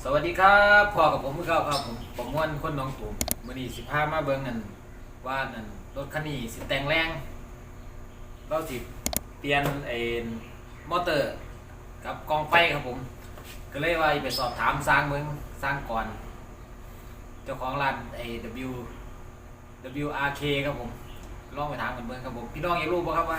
สวัสดีครับพ่อกับผมเมื่อเก่าครับผมม่วนคนหน้องตุ่มมื้อนี้สิพามาเบิ่งกันว่านั่นรถคันนี้สิแต่งแรงเราสิเปลี่ยนมอเตอร์กับกองไฟครับผมก็เลยว่าไปสอบถามสร้างเบิ่งสร้างก่อนเจ้าของร้านWRK ครับผมลองไปถามกันเบิ่งครับผมพี่น้องอยากรู้บ่ครับว่า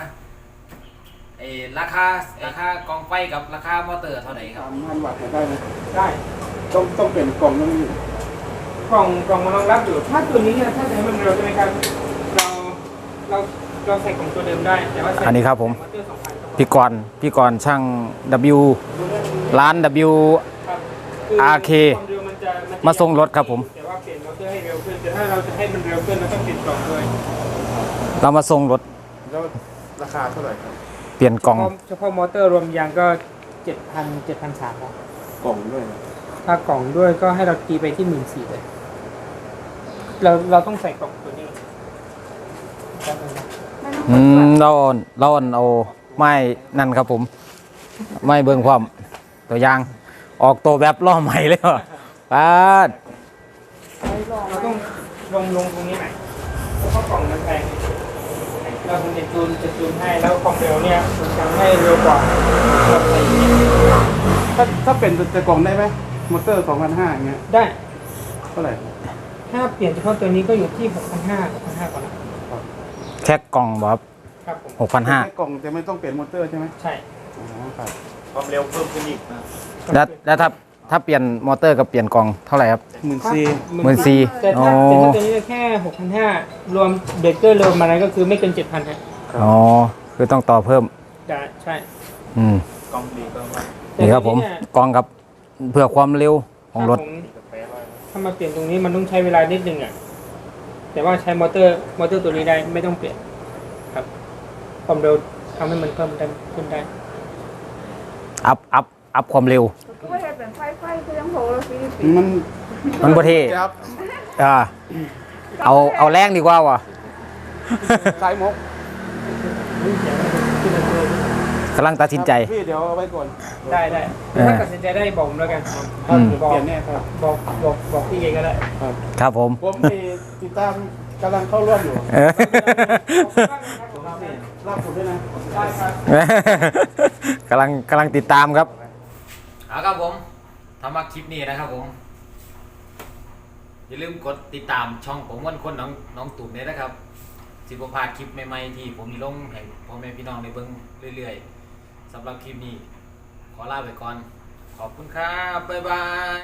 ราคากองไฟกับราคามอเตอร์เท่าไหร่ครับ 3,000 วัตต์ได้ไหมได้ต้องเป็นกล่องต้องมีกล่องมันรองรับอยู่ถ้าตัวนี้เนี่ยถ้าจะให้มันเร็วใช่ไหมครับเราเราใส่กล่องตัวเดิมได้แต่ว่าอันนี้ครับผมมอเตอร์2,000 พี่กรณ์ช่าง W ร้าน W ครับ RK ความเร็วมันจะมาส่งรถครับผมแต่ว่าเปลี่ยนมอเตอร์ให้เร็วขึ้นแต่ถ้าเราจะให้มันเร็วขึ้นเราต้องเปลี่ยนกล่องด้วยเรามาส่งรถแล้วราคาเท่าไหร่ครับเปลี่ยนกล่องเฉพาะมอเตอร์รวมยางก็ 7,300 ครับกล่องด้วยนะถ้ากล่องด้วยก็ให้เราตีไปที่ 14,000 เลยเราต้องใส่กล่องตัวนี้ครับเราเอาไม้นั่นครับผมไม้เบิ่งความตัวยางออกตัวแบบล้อใหม่เลยว่ะป้าดเราต้องลงตรงนี้หน่อยเพราะกล่องมันแพงเราคงจะจูนให้แล้วความเร็วเนี่ยมันจะให้เร็วกว่าเราใส่อย่างนี้ถ้าเป็นจะกล่องได้ไหมมอเตอร์ 2,500อย่างเงี้ยได้เท่าไหร่ถ้าเปลี่ยนเฉพาะตัวนี้ก็อยู่ที่ 6,500 ก่อนนะแค่กล่องบ่ครับครับผม 6,500 แค่กล่องจะไม่ต้องเปลี่ยนมอเตอร์ใช่ไหมใช่อ๋อครับความเร็วเพิ่มขึ้นอีกนะแล้วถ้าเปลี่ยนมอเตอร์กับเปลี่ยนกล่องเท่าไหร่ครับ 14,000 แต่ถ้าอ๋อตัวนี้แค่ 6,500 รวมเบรกเกอร์รวมอะไรก็คือไม่เกิน 7,000 ครับอ๋อคือต้องต่อเพิ่มได้ใช่อืมกล้องดีก็มานี่ครับผมกล่องกับเพื่อความเร็วของรถถ้ามาเปลี่ยนตรงนี้มันต้องใช้เวลานิดนึงอ่ะแต่ว่าใช้มอเตอร์ตัวนี้ได้ไม่ต้องเปลี่ยนครับความเร็วทำให้มันเพิ่มได้ขึ้นได้อัพความเร็วก็ไม่ได้เป็นไฟคือยังโหเราฟีฟีมันบ่เท่ครับอ่าเอาแรงดีกว่าว่ะสายมกกำลังตัดสินใจพี่เดี๋ยวเอาไว้ก่อนได้ถ้าตัดสินใจได้บอกผมแล้วกันอืมบอกเปลี่ยนแน่ครับบอกพี่เองก็ได้ครับครับผมผมติดตามกำลังเข้าร่วมอยู่เออลากผมด้วยนะได้ครับกำลังติดตามครับเอาครับผมถ้ามาคลิปนี้นะครับผมอย่าลืมกดติดตามช่องผมม่วนคนน้องตุ่มเนี่ยนะครับสิบพลาดคลิปใหม่ๆที่ผมมีลงให้พ่อแม่พี่น้องในเบิ่งเรื่อยๆสำหรับคลิปนี้ขอลาไปก่อนขอบคุณครับบ๊ายบาย